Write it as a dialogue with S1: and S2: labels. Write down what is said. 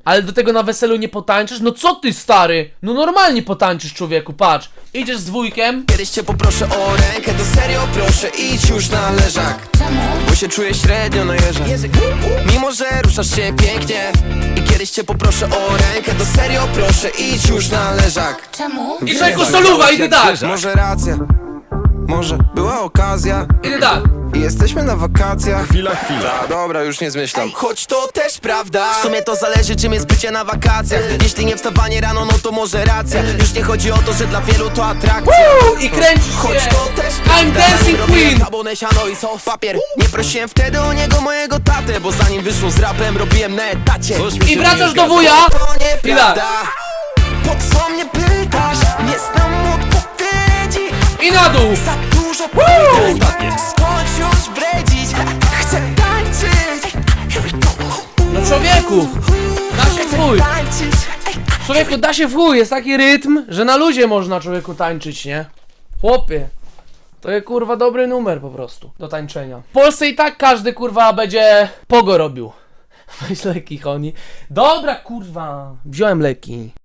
S1: Ale do tego na weselu nie potańczysz? No co ty, stary? No normalnie potańczysz, człowieku, patrz. Idziesz z wujkiem.
S2: Kiedyś cię poproszę o rękę, to serio proszę, idź już na leżak. Bo się czuję średnio na jeżach. Mimo że ruszasz się pięknie. I kiedyś cię poproszę o rękę, to serio proszę, idź już na leżak.
S3: Czemu?
S1: I czego soluwa, idę tak.
S2: Może racja, może była okazja.
S1: Idę tak.
S2: I jesteśmy na wakacjach.
S4: Chwila.
S2: Dobra, już nie zmyślam. Choć to też prawda. W sumie to zależy, czym jest bycie na wakacjach. Jeśli nie wstawanie rano, no to może racja. Już nie chodzi o to, że dla wielu to atrakcja.
S1: I kręcisz
S2: Choć
S1: się.
S2: to też
S1: I'm
S2: prawda.
S1: dancing
S2: Robiłem
S1: queen.
S2: tabonę, siano i sos papier. Nie prosiłem wtedy o niego mojego tatę, bo zanim wyszło z rapem, robiłem na etacie.
S1: I wracasz do wuja.
S2: To
S1: I
S2: nieprawda.
S1: tak.
S2: Po co mnie pytasz? Nie znam odpowiedzi.
S1: I na dół.
S2: Za dużo pytań. Skończ już bredzić. Chcę tańczyć.
S1: No człowieku, da się w chuj.
S2: Tańczyć.
S1: Człowieku, da się w chuj. Jest taki rytm, że na luzie można, człowieku, tańczyć, nie? Chłopie. To jest, kurwa, dobry numer po prostu do tańczenia. W Polsce i tak każdy, kurwa, będzie pogo robił. Weź leki, Honi. Dobra, kurwa. Wziąłem leki.